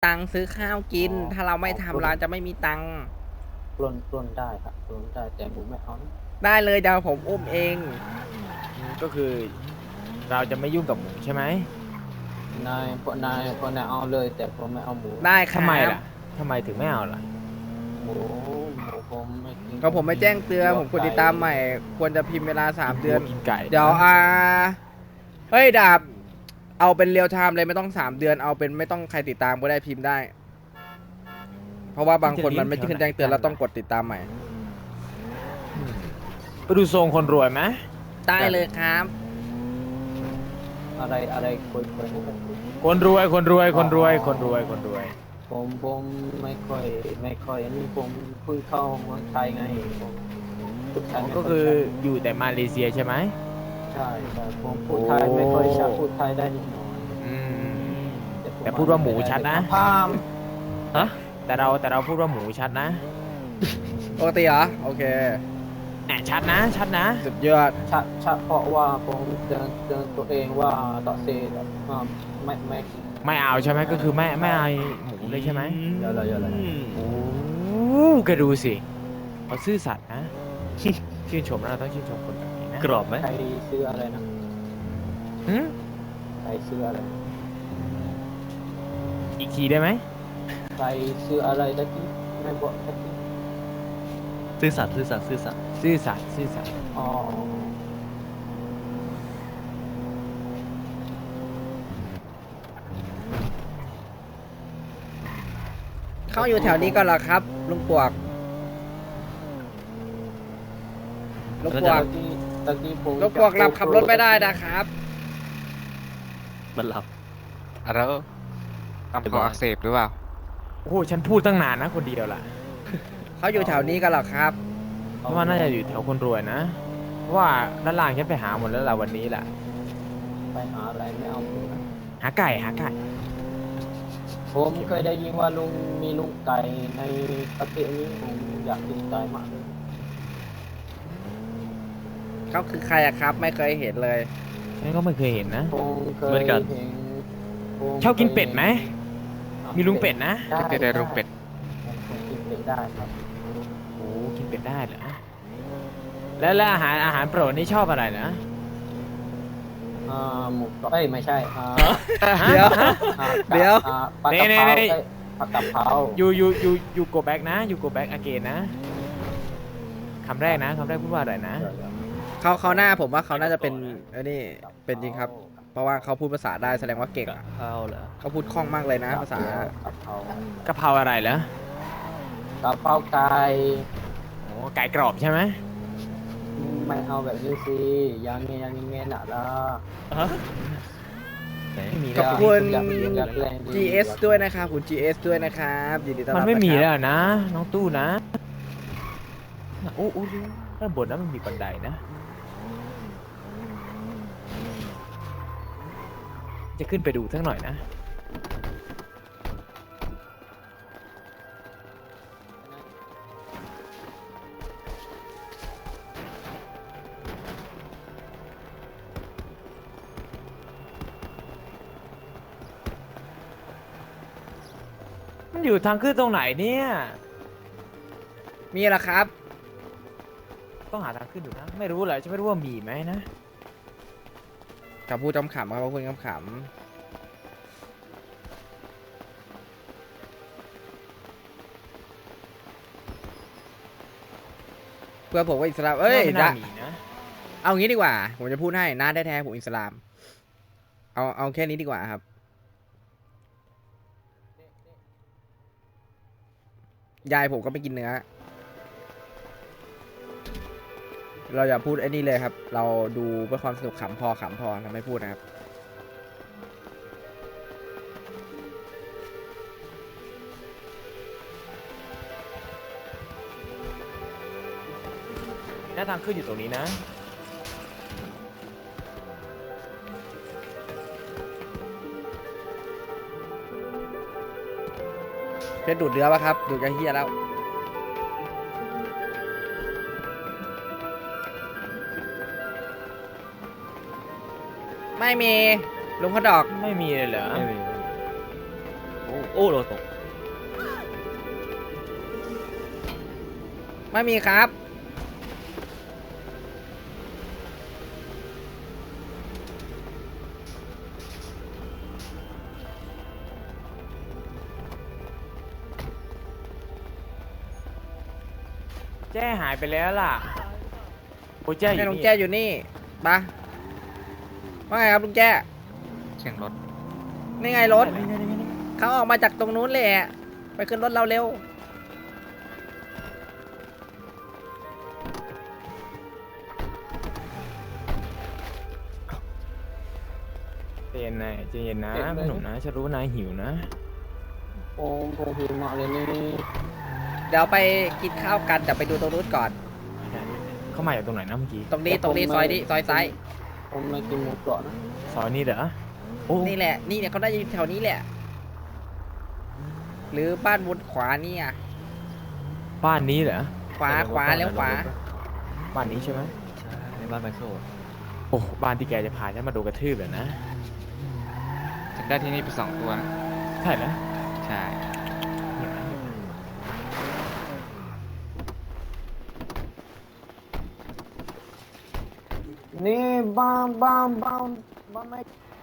ตังค์ซื้อข้าวกินถ้าเราไม่ทำร้านจะไม่มีตังค์ปล้นได้ครับปล้นได้แต่ผมไม่เอานะได้เลยเดี๋ยวผมอุ้มเองก็คือเราจะไม่ยุ่งกับหมูใช่ไหมพวกนายเอาเลยแต่ผมไม่เอาหมูได้ครัทำไมบล่ะทำไมถึงไม่เอาล่ะหมูผมไม่กินก็ผมไม่แจ้งเตือนผมกดติดตามใหม่ควรจะพิมพ์เวลา3 เดือนกินไก่เดี๋ยวเฮ้ยดาบเอาเป็นเรียลไทม์เลยไม่ต้อง3 เดือนเอาเป็นไม่ต้องใครติดตามก็ได้พิมพ์ได้ เพราะว่าบางคนมันไม่ขึ้นแจ้งเตือนแล้วต้องกดติดตามใหม่ไปดูทรงคนรวยไหมได้เลยครับอะไรคุยคนรวยคนรวยคนรวยคนรวยคนรวยผมไม่ค่อยอันนี้ผมเพิ่งเข้าเมืองไทยไงผมพูดไทยไม่ก็ค่อยคือชัดอยู่แต่มาเลเซียใช่ไหมใช่ผมพูดไทยไม่ค่อยชัดพูดไทยได้นิดหน่อยอืมผมแต่พูดว่าหมูชัดนะพามแต่เราพูดว่าหมูชัดนะปกติเหรอโอเคแหมชัดนะชัดนะสุดยอดชัดเพราะว่าผมเตือนตัวเองว่าต่อเซไม่ไม่เอาใช่ไหมก็คือไม่เอาหมูเลยใช่ไหมเยอะเลยโอ้ก็ดูสิเขาซื่อสัตย์นะ ชื่นชมนะเราต้องชื่นชมคนแบบนี้นะกรอบไหมใครซื้ออะไรนะหืมใครซื้ออะไรอีกทีได้ไหมใครซื้ออะไรตะกี้ไม่บอกตะกี้ซื่อสัตย์ซื่อสัตย์ซื่อสัตย์ซื่อสัตย์ซื่อสัตย์อ๋อเขาอยู่แถวนี้ก็เหรอครับลุงปวกลุงปวกตะกี้ผมลุงปวกรับขับรถไม่ได้นะครับมันหลับแล้วลำคออักเสบหรือเปล่าโอ้โหฉันพูดตั้งนานนะคนเดียวล่ะเขาอยู่แถวนี้ก็เหรอครับเพราะว่าน่าจะอยู่แถวคนรวยนะเพราะว่าด้านล่างฉันไปหาหมดแล้วล่ะวันนี้แหละไปหาอะไรไม่เอาหมูนะหาไก่หาไก่ผมเคยได้ยินว่ามีลุงไก่ในประเทศนี้ผมอยากกินไก่มากเลยเขาคือใครอะครับ ไม่เคยเห็นเลยฉันก็ไม่เคยเห็นนะผมเคยเห็นผมชอบกินเป็ดไหมมีลุงเป็ดนะได้ลุงเป็ดผมกินเป็ดได้ครับโอ้กินเป็ดได้เหรอแล้วอาหารโปรดนี่ชอบอะไรนะหมูกรอบไม่ใช่เดี๋ยว เดี๋ยวปลากระเพราผักกะเพรายูโกแบ็กนะยูโกแบ็กอเกนนะคำแรกนะคำแรกพูดว่าอะไรนะเขาหน้าผมว่าเขาน่าจะเป็นนี่เป็นจริงครับ เพราะว่าเขาพูดภาษาได้แสดงว่าเก่งอะข้าวเหรอเขาพูดคล่องมากเลยนะภาษากะเพราอะไรเหรอกะเพราไก่โอ้ไก่กรอบใช่ไหมไม่เอาแบบนี้สิยังไงน่ะล่ะไม่มีขแล้อบวคุณอยากแรงดี GS ด้วยนะครับคุณ GS ด้วยนะครับยินดีต้อนรับมันไม่มีะคแล้รับวนะ น้องตู้นะโอ้ด้านบนนั้นมันมีบันไดนะจะขึ้นไปดูสักหน่อยนะ มันอยู่ทางขึ้นตรงไหนเนี่ยมีเหรอครับต้องหาทางขึ้นอยู่นะ ไม่รู้เลยจะไม่รู้ว่ามีไหมนะกับพูดขำๆครับพูดขำๆเพื่อนผมว่าอิสลามเอ้ยไม่น่านะมีนะเอางี้ดีกว่า ผมจะพูดให้น้าแท้ๆผมอิสลาม เอาแค่นี้ดีกว่าครับ ยายผมก็ไม่กินเนื้อ เราอย่าพูดไอ้นี่เลยครับ เราดูเพื่อความสนุกขำพอเราไม่พูดนะครับหน้าทางขึ้นอยู่ตรงนี้นะเพชรดูดเนื้อปะครับ ดูดกระเฮียแล้ว ไม่มีลุงเขาดอกไม่มีเลยเหรอไม่มีโอ้โอ้โหตกไม่มีครับแจ้หายไปแล้วล่ะโอ้แจ้อให้ยู่ลุงนี่แจ้อยู่นี่ปะว่าไงครับลุงแจ้เสียงรถนี่ไงรถเขาออกมาจากตรงนู้นเลยอะไปขึ้นรถเราเร็วใจเย็นนายใจเย็นนะพี่หนุ่มนะฉันรู้ว่านายหิวนะผมหิวมากเลยนี่เดี๋ยวไปกินข้าวกันแต่ไปดูตรงนู้นก่อนเข้ามาจากตรงไหนนะเมื่อกี้ตรงนี้ซอยนี้ซอยซ้ายผมไม่กินหมูกรอบนะซอยนี้เหรอโอ้นี่แหละนี่เนี่ยเขาน่าจะอยู่แถวนี้แหละ หรือบ้านวนขวานี่อ่ะบ้านนี้เหรอขวาแล้วขวาบ้านนี้ใช่ไหมใช่ในบ้านไมเคิลโอ้บ้านที่แกจะพาฉันมาดูกระทืบเหรอนะฉันได้ที่นี่ไป2 ตัวนะใช่แล้วใช่นี่บ้านไม่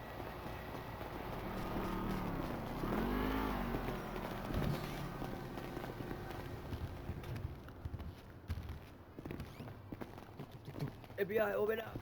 FBI open up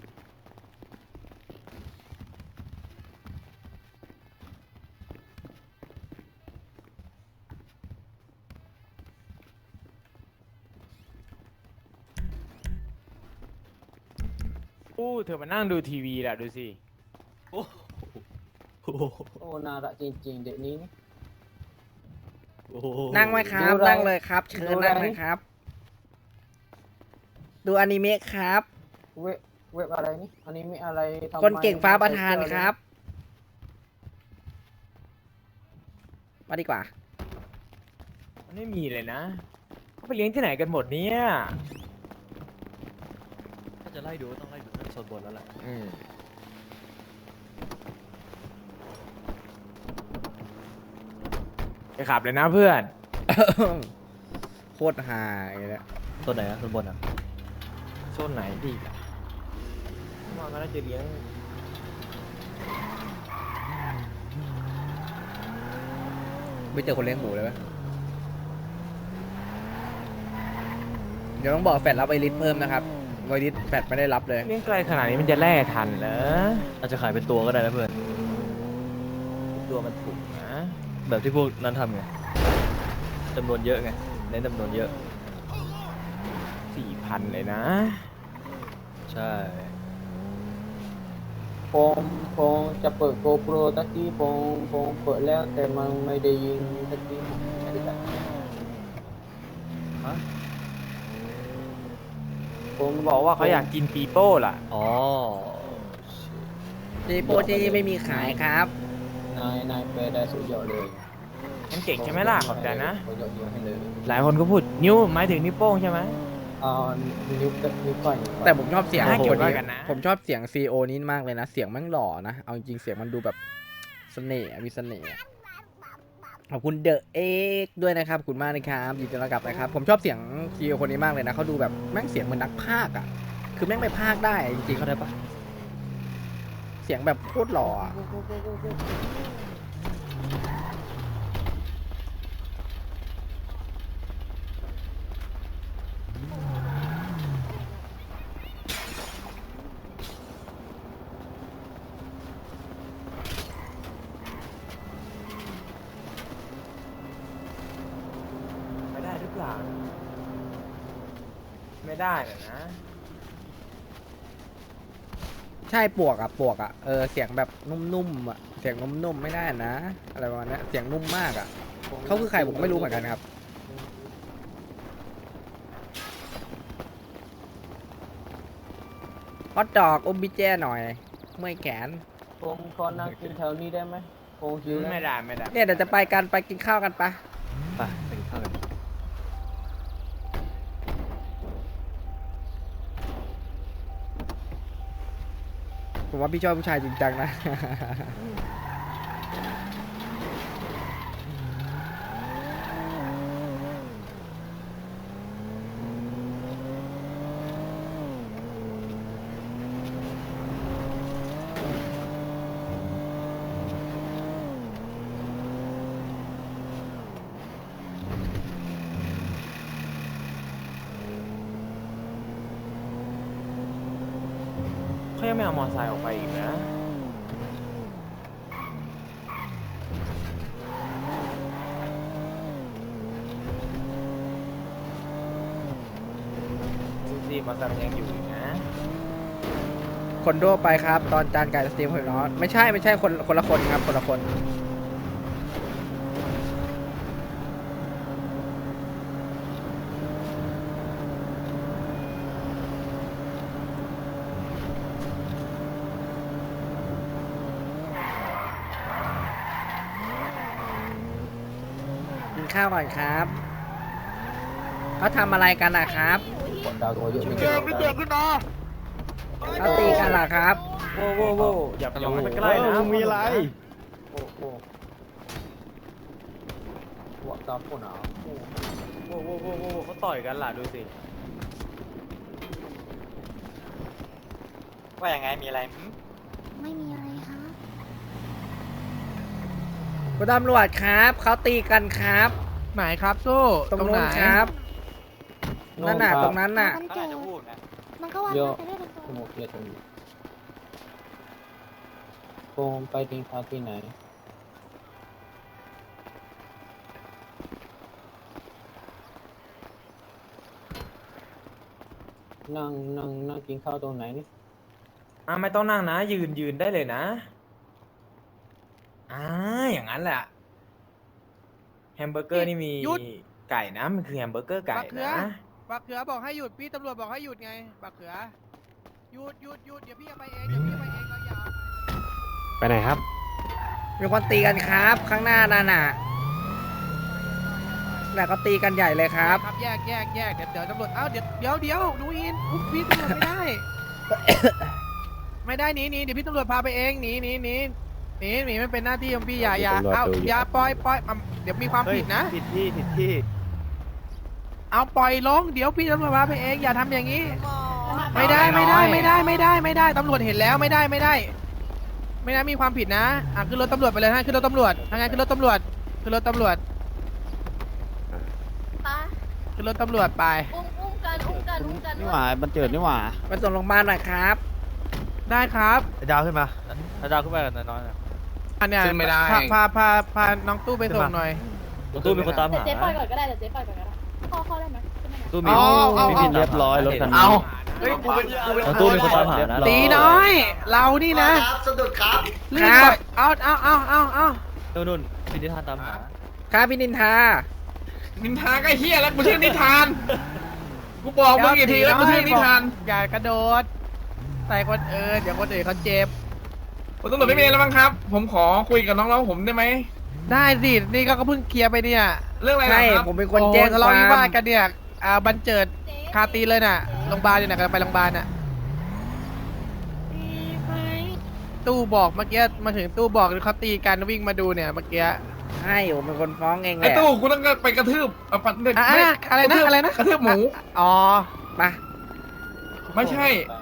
อู้เธอมานั่งดูทีวีแหละดูสิโอ้โหโอ้น่ารักจริงๆเด็กนี้นี่โอ้โหนั่งไหมครับดูอะไรนั่งเลยครับ เชิญดูอะไรนั่งเลยครับ ดูอนิเมะครับเว็บอะไรนี่อันนี้มีอะไรทำไมคนเก่งฟ้าประธานครับ มาดีกว่ามันไม่มีเลยนะเขาไปเลี้ยงที่ไหนกันหมดเนี่ยถ้าจะไล่ดูก็ต้องไล่ดูตั้งโซนบนแล้วแหละไปขับเลยนะเพื่อนโคตรฮาอย่างเงี้ยโซนไหนอะโซนบนอะโซนไหนดีล่ะว่ามันน่าจะเลี้ยงไม่เจอคนเลี้ยงหมูเลยไหมเดี๋ยวต้องบอกแฟดรับไวริสเพิ่มนะครับไวริสแฟดไม่ได้รับเลยเลี้ยงไกลขนาดนี้มันจะแล่ทันเหรออาจจะขายเป็นตัวก็ได้นะเพื่อนตัวมันถูกนะแบบที่พวกนั้นทำไงจำนวนเยอะไงเน้นจำนวนเยอะ 4,000เลยนะใช่ผมจะเปิด GoPro ตะกี้ผมเปิดแล้วแต่มันไม่ได้ยินตะกี้ไม่ได้ฮะผมบอกว่าเขาอยากกินปีโป้ล่ะอ๋อจีโปจีไม่มีขายครับนายไปได้สุดยอดเลยมันเก่งใช่ไหมล่ะ ขอบใจนะสุดยอดให้เลยหลายคนก็พูดนิ้วหมายถึงนิ้วโป้งใช่ไหมนิ้วก้อยแต่ผมชอบเสียงน่าเกลียดคนว่านี้กันนะผมชอบเสียงซีโอนี้มากเลยนะ เสียงแมันหล่อนะ เอาจริงๆเสียงมันดูแบบเสน่ห์อะมีเสน่ห์อะขอบคุณเดอะเอ็กด้วยนะครับขอบคุณมากนะครับยินดีต้อนรับนะครับ ผมชอบเสียงซีโอคนนี้มากเลยนะเขาดูแบบแม่งเสียงเหมือนนักพากย์อ่ะ คือแม่งไปพากย์ได้จริงเข้าได้ปะๆเสียงแบบโคตรหล่ออะไม่ได้หรือเปล่า ไม่ได้เหรอนะใช่ปวกอ่ะเสียงแบบนุ่มๆอ่ะเสียงนุ่มๆไม่ได้นะ อะไรประมาณเนี้ยเสียงนุ่มมากอ่ะเขาคือใครผมก็ไม่รู้เหมือนกันครับฮอตดอกอมบิเจ้หน่อยเมื่อยแขนผมขอนั่งกินแถวนี้ได้ไหมผมหิวแล้วไม่ได้ไม่ได้เนี่ยเดี๋ยวจะไปกันไปกินข้าวกันปะไปไปกินข้าวกันผมว่าพี่ชอบผู้ชายจริงจังนะเขายังไม่เอามอเตอร์ไซค์ออกไปอีกนะดูสิมอเตอร์ไซค์มันยังอยู่อีกนะคนทั่วไปครับ ตอนจานไก่สตรีมของน้องไม่ใช่คนละคนครับคนละคนกินข้าวก่อนครับเขาทำอะไรกันนะครับดาวตัวเยอะไม่เจเกี่ยอวไม่เจอขึ้นมาเขาตีกันเหรอครับโว้โว้โว้อย่าไปใกล้นะมีอะไรโอ้โหหัวตาโคหนาวโว้โว้โว้โว้เขาต่อยกันล่ะดูสิว่าอย่างไงมีอะไรไม่มีอะไรครับคุณตำรวจครับเขาตีกันครับไหนครับสู้ตรงนู้นครับ นั่นน่ะตรงนั้นน่ะมันเขาเจอาอจจะพูดนะมันก็ว่าเยอะไปด้วยกันสมุกเยอะจังโกงไปกินข้าวที่ไหนนั่งกินข้าวตรงไหนนี่ไม่ต้องนั่งนะ ยืนได้เลยนะอย่างนั้นแหละแฮมเบอร์เกอร์นี่มีไก่นะมันคือแฮมเบอร์เกอร์ไก่นะบักเขือบอกให้หยุดพี่ตำรวจบอกให้หยุดไงบักเขือหยุดเดี๋ยวพี่จะไปเองเราอย่าไปไหนครับมีคนตีกันครับ ข้างหน้านั่นน่ะน่ะเขาตีกันใหญ่เลยครับแยกเดี๋ยวตำรวจเดี๋ยวดูอินพี่ตำรวจไม่ได้ ไม่ได้หนีเดี๋ยวพี่ตำรวจพาไปเองหนีมันเป็นหน้าที่ของพี่อย่าปล่อยเดี๋ยวมีความผิดนะผิดที่เอาปล่อยลงเดี๋ยวพี่ตำรวจพาไปเองอย่าทำอย่างนี้ ไม่ได้ตำรวจเห็นแล้วไม่ได้มีความผิดนะขึ้นรถตำรวจไปเลยฮะขึ้นรถตำรวจทางไงขึ้นรถตำรวจไป ขึ้นรถตำรวจไปอุ้มกันนี่หว่ามันเจิดนี่หว่าไปส่งโรงพยาบาลหน่อยครับได้ครับดาวขึ้นมาดาวขึ้นมากันน้อยอันเนี้ยขึ้นไม่ได้พาน้องตู้ไปส่งหน่อยตู้มีคนตามหาเจ๊ปล่อยก่อนก็ได้เจ๊ปล่อยก่อนก็ได้เข้าได้ไหมตู้มีเอามีผิดเรียบร้อยรถคันนี้เฮ้ยกูเป็นตู้มีคนตามหานะตีน้อย เรานี่นะสะดุดครับลื่นบ่อยเอานู่นพิธีทานตามหาครับพี่นินทานินทาก็เฮียแล้วกูชื่อนิทานกูบอกมึงกี่ทีแล้วกูชื่อนิทานอย่ากระโดดใส่คนเดี๋ยวคนอื่นเขาเจ็บผมตำรวจไม่มีแล้วมั้งครับ ผมขอคุยกับน้องๆผมได้ไหมได้สินี่ก็เพิ่งเคลียร์ไปเนี่ยเรื่องอะไรใช่นะครับผมเป็นคนแจ้งทะคเลาะวาวิมวาทกันเนี่ยบันเจิดคาตีเลยน่ะโรงพยาบาลอยู่ไหนกันไปโรงพยาบาลน่ะตู้บอกเมื่อกี้มาถึงตู้บอกเขาตีกันวิ่งมาดูเนี่ยเมื่อกี้ใช่ผมเป็นคนฟ้องเองแหไอ้ละตู้กูต้องไปกระทืบปัดเด็กอะไรนะกระทืบหมูอ๋อมาไม่ใช่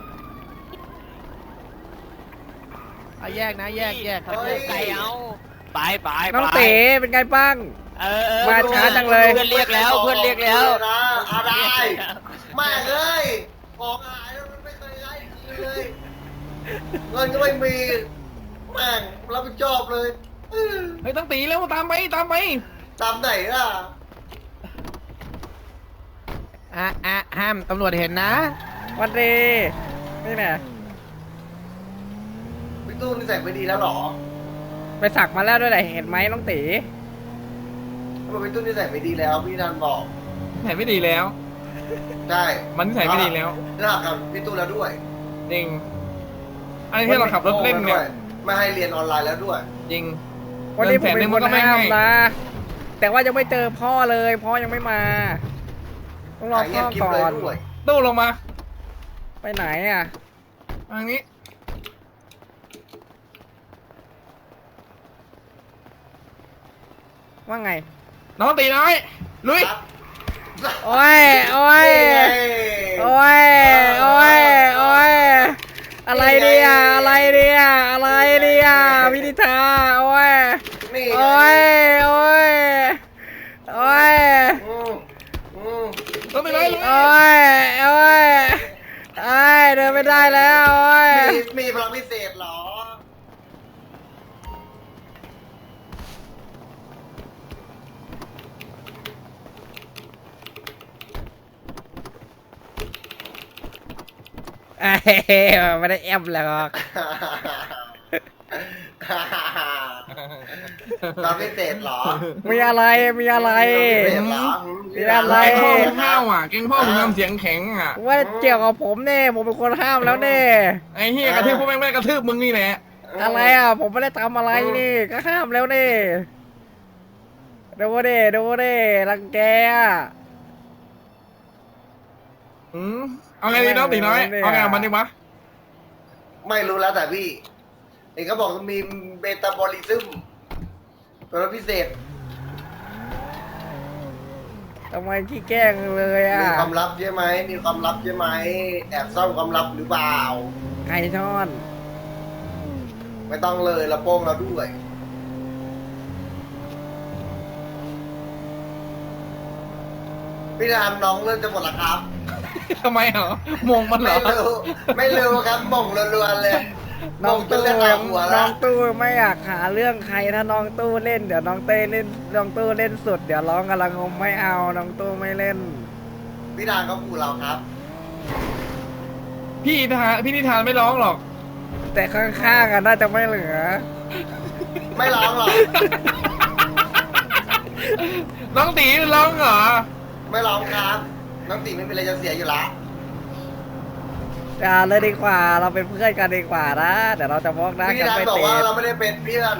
เอาแยกนะแยกครับไก่เอาไปน้องเต๋เป็นไงบ้าง มาช้าจังเลยเพื่อนเรียกแล้วนะอะไรแม่เอ้ยของหายแล้วมันไม่เคยได้ทีเลยเงินก็ไม่มีแม่งรับผิดชอบเลยเฮ้ยต้องตีแล้วตามไปตามไหนล่ะห้ามตำรวจเห็นนะวันดีนี่แหละพี่ตู้นี่ใส่ไม่ดีแล้วหรอไปสักมาแล้วด้วยแหละเห็นไหมน้องเต๋ทำไมพี่ตู้นี่ใส่ไม่ดีแล้วพี่นันบอกใส่ไม่ดีแล้วใช่มันใส่ไม่ดีแล้วน่ากับพี่ตู้แล้วด้วยจริงไอ้ที่เราขับรถเล่นเนี่ยไม่ให้เรียนออนไลน์แล้วด้วยจริงวันนี้ผมเป็นคนก็ไม่ห้ามให้นะแต่ว่ายังไม่เจอพ่อเลยพ่อยังไม่มาต้องรอพ่อก่อนตู้ลงมาไปไหนอ่ะทางนี้ว่าไงน้องตีน้อยลุยโอ้ยอะไรเนี่ยพินิธาโอ้ยนี่โอ้ยต้องตีน้อยลุยเดินไม่ได้แล้วโอ้ยมีเอ้ยไม่ได้แอมแล้วเราพิเศษเหรอมีอะไรมีอะไรพิเศษเหรอมีอะไรแกงพ่อมึงห้าวอ่ะแกงพ่อมึงทำเสียงแข็งอ่ะว่าเกี่ยวกับผมเนี่ยผมเป็นคนห้ามแล้วเนี่ยไอ้เฮียกระทืบพวกแม่งไม่ได้กระทืบมึงนี่แหละอะไรอ่ะผมไม่ได้ทำอะไรนี่ก็ห้ามแล้วนี่ดูดิดูดิรังแกอ่ะเอาไงดีน้องตีน้อยเอาไงกับมันดีวะไม่รู้แล้วแต่พี่เอกเขาบอกมีเบตาบอลิซึมตัวพิเศษทำไมขี้แกล้งเลยอ่ะมีความลับใช่ไหมมีความลับใช่ไหมแอบซ่อนความลับหรือเปล่าไก่ทอดไม่ต้องเลยเราโป้งเราด้วยพี่รามน้องเริ่มจะหมดละครับทำไมเหรอมงมันเหรไม่อรู้ไม่รู้ครับม่งรัวๆเลยน้องม่เป็นตู้เรื่องราวหัวน้แล้อวงตู้ไม่อยากหาเรื่องใครถ้าน้องตู้เล่นเดี๋ยวน้องเต้เล่นน้องตู้เล่นสุดเดี๋ยวร้องกำลังงมไม่เอาน้องตู้ไม่เล่นพี่รามเขาขู่เราครับพี่นิทานไม่ร้องหรอกแต่ข้างๆอ่ะน่าจะไม่เหลือไม่ร้องหรอกน้องตีร้องเหรอไม่ร้องครับน้องตีไม่เป็นไรจะเสียอยู่ละอย่าเลยดีกว่าเราเป็นเพื่อนกันดีกว่านะเดี๋ยวเราจะมองหน้าพี่กันรามไม่บอกติว่าดเราไม่ได้เป็นเพื่อน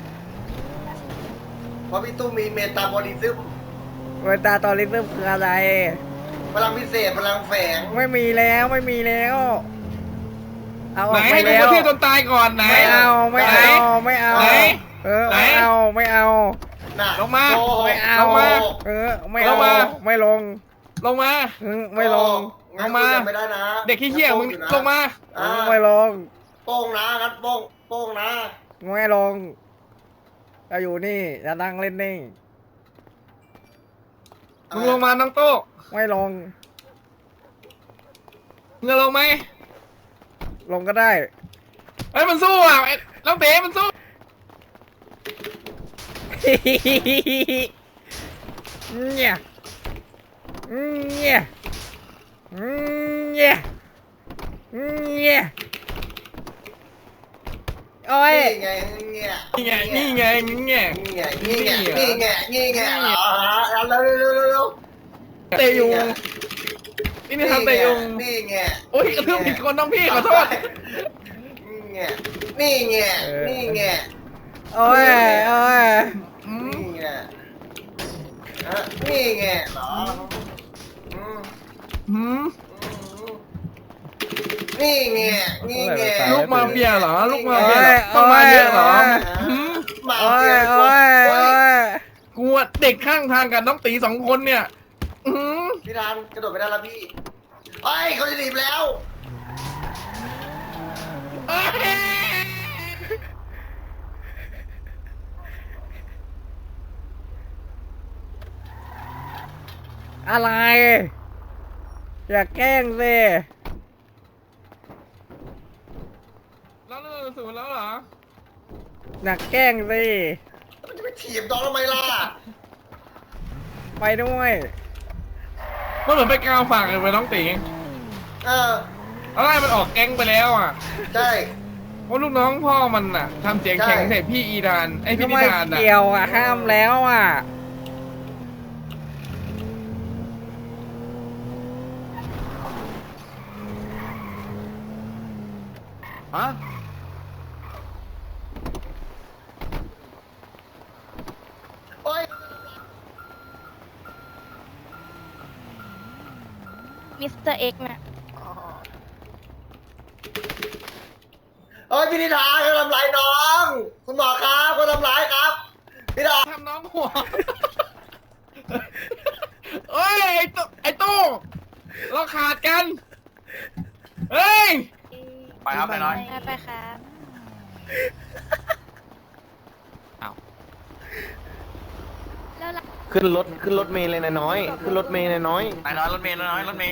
เพราะพี่ตู้มีเมตาบอลิซึมเวลาตอนลิซึมคืออะไรพลังพิเศษพลังแฝงไม่มีแล้วไม่มีแล้วเอาอไหนอกไปให้กูแล้กระวทืบจนตายก่อนไหนไม่เอาไม่เอาไม่เอาไหนเออไหนไม่เอาไม่เอาน่ะลงมาโกหกไม่เอาลงมาเออไม่ลเอางมาไม่ลงลงมาไม่ลงงั้นลงมาคุยกันไม่ได้นะเด็กขี้เหี้ยมึงอยู่นะลงมาอ่าไม่ลงโป้งนะงั้นโป้งนะไม่ลงจะอยู่นี่จะนั่งเล่นนิ่งมึงลงมาน้องโต้ไม่ลงมึงจะลงไหมลงก็ได้เฮ้ยมันสู้อ่ะไอ้น้องเต๋มันสู้เนี่ยเนี่ยเนี่ยเนี่ยโอ้ยนี่ไงเงี้ยนี่ไงนี่ไงนี่ไงนี่ไงนี่ไงนี่ไงอ๋อเอาเร็วเตะยุงนี่นี่ทำเตะยุงนี่ไงโอ้ยกระทืบผิดคนน้องพี่ขอโทษนี่ไงนี่ไงนี่ไงโอ้ยโอ้ยนี่ไงนี่ไงเหรอหืมนี่ไงนี่ไงลูกมาเฟียเหรอลูกมาเฟียเหรอต้องมาเยอะเหรอหืมมาโอ้เฟียยโอ้ยโอ้ยกลัวเด็กข้างทางกับน้องตีสองคนเนี่ยหืมพี่รานกระโดดไปได้แล้วพี่เฮ้ยเขาจะหนีบแล้วเอ้ยอะไร อย่าแกล้งสิแล้วเรื่องสูนแล้วเหรออย่าแกล้งสิมันจะไปถีบน้องทำไมล่ะไปด้วยมันเหมือนไปกาวฝากเลยไปน้องตีเอออะไรมันออกแก๊งไปแล้วอ่ะใช่เพราะลูกน้องพ่อมันน่ะทำเสียงแข็งใส่พี่อีดานไอพี่ทำนิไมทานน่ะเกี่ยวอ่ะห้ามแล้วอ่ะฮะโอ้ยมิสเตอร์เอ็กซ์น่ะเฮ้ยพี่นิทาเขาทำร้ายน้อง คุณหมอครับเขาทำร้ายครับพี่นิทาทำน้องหัวเอ้ยไอ้ตู้เราขาดกันเฮ้ยไปครับไปน้อยไปครับ แล้วล่ะขึ้นรถเมล์เลยนะน้อยขึ้นรถเมล์เลยน้อยไปน้อยรถเมล์น้อยรถเมล์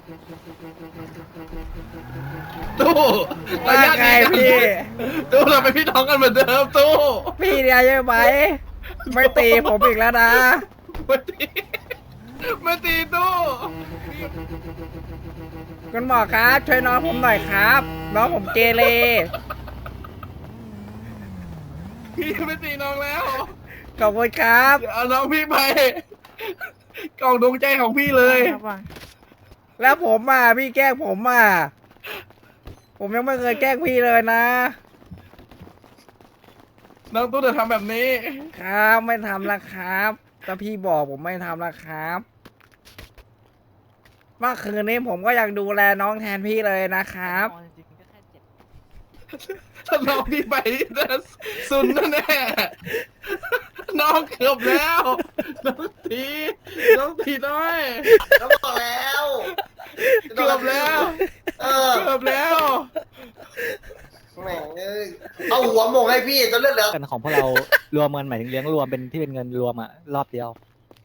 ตู้ว่าไงพี่ตู้เราเป็นพี่น้องกันเหมือนเดิมตู้พี่เดียวใช่ไหมไม่ตีผมอีกแล้วนะมาตีตู้คุณหมอครับ ช่วยน้องผมหน่อยครับ น้องผมเกเรพี่ไม่ตีน้องแล้วขอบคุณครับเดี๋ยวเอาน้องพี่ไปกล่องดวงใจของพี่เลยแล้วผมอ่ะพี่แกล้งผมอ่ะผมยังไม่เคยแกล้งพี่เลยนะน้องตู้จะทำแบบนี้ครับไม่ทำละครับถ้าพี่บอกผมไม่ทำละครับเมื่อคืนนี้ผมก็ยังดูแลน้องแทนพี่เลยนะครับถ้าน้องพี่ไปจะสุนแน่ๆน้องเกือบแล้ว น้องตีน้อยแล้วบอกแล้วเกือบแล้วเออเกือบแล้วแหม่งเอ้ยเอาหัวหมงให้พี่จนเลือดเหลือกันของพวกเรารวมเงินหมายถึงเลี้ยงรวมเป็นที่เป็นเงินรวมอะรอบเดียว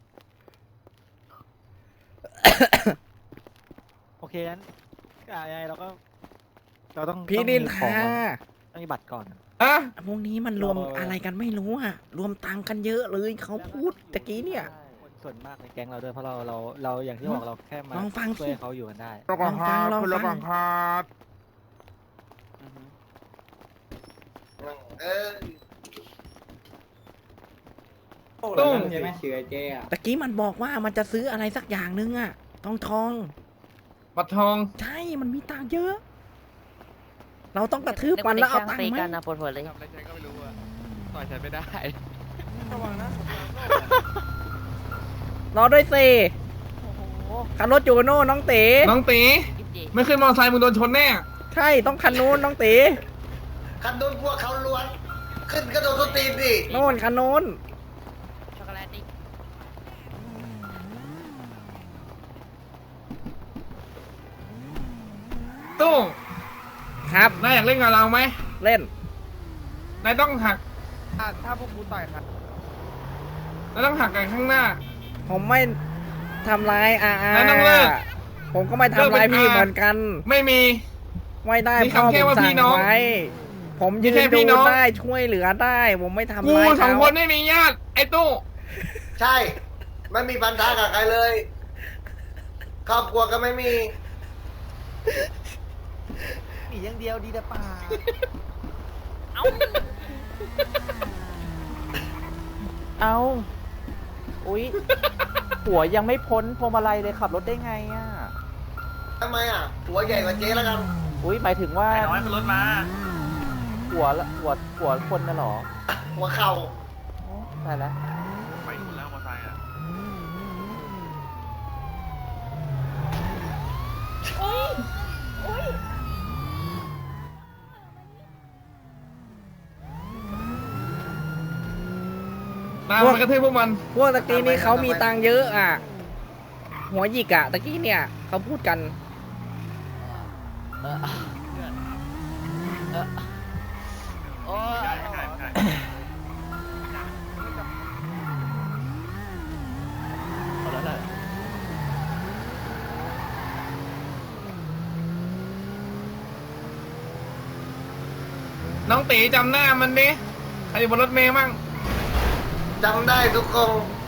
โอเคงั้นยังไงเราต้องพี่นินต้องมีของทาก่อนต้องมีบัตรก่อนอะพวกนี้มันรวมอะไรกันไม่รู้อ่ะ รวมตังค์กันเยอะเลยเขาพูดตะกี้เนี่ยคนส่วนมากในแก๊งเราด้วยเพราะเราอย่างที่บอกเราแค่มาลองฟังสิช่วยให้เขาอยู่กันได้ลองฟังลองฟังเออตุ้งตะกี้มันบอกว่ามันจะซื้ออะไรสักอย่างนึงอ่ะทองบัตรทองใช่มันมีตังค์เยอะ เราต้องกระทืบมันแล้วเอาตังค์ไหมนะปวดหัวเลยทำอะไรฉันก็ไม่รู้อะต่อยฉันไม่ได้รอด้วยสิคันรถอยู่กับโน่นน้องเต๋น้องตีไม่ขึ้นมอเตอร์ไซค์มึงโดนชนแน่ใช่ต้องคันนู้นน้องเต๋คันโดนพวกเขาล้วน ขึ้นกระโดดสตีนดิโน่นคันนู้นช็อกโกแลตดิตุ้งครับนายอยากเล่นกับเราไหมเล่นนายต้องหักถ้าพวกกูต่อยครับนายต้องหักกันข้างหน้าผมไม่ทำร้ายอาแล้วต้องเลิกผมก็ไม่ทำร้ายพี่เหมือนกันไม่มีไม่ได้มีพ่อคำแค่ผมว่าพี่สั่งน้องไว้ ผมยืมีแค่นพี่ดูน้องได้ช่วยเหลือได้ ผมไม่ทำกูร้ายสองเขาคนไม่มีญาติ ไอ้ตู้ใช่ ไม่มีพันธะกับใครเลย ครอบครัวก็ไม่มีมีอย่างเดียวดีแต่ป่าเอาอุ๊ย หัวยังไม่พ้นพวงมาลัยเลยขับรถได้ไงอ่ะทำไมอ่ะ หัวใหญ่กว่าเจ๊แล้วกันอุ๊ย หมายถึงว่าไอ้น้อยขึ้นรถมาหัวคนน่ะเหรอหัวเข่าตายแล้วไปคุณแล้วมอเตอร์ไซค์อ่ะตามมากระทืบพวกมันพวกตะกี้นี้เขามีตังค์เยอะอ่ะ หัวหยิกอ่ะตะกี้เนี่ยเขาพูดกันใช่ใช่ใช่เอาแล้วแหละน้องตีจำหน้ามันดิใครอยู่บนรถเมย์มั่งจำได้ทุกคน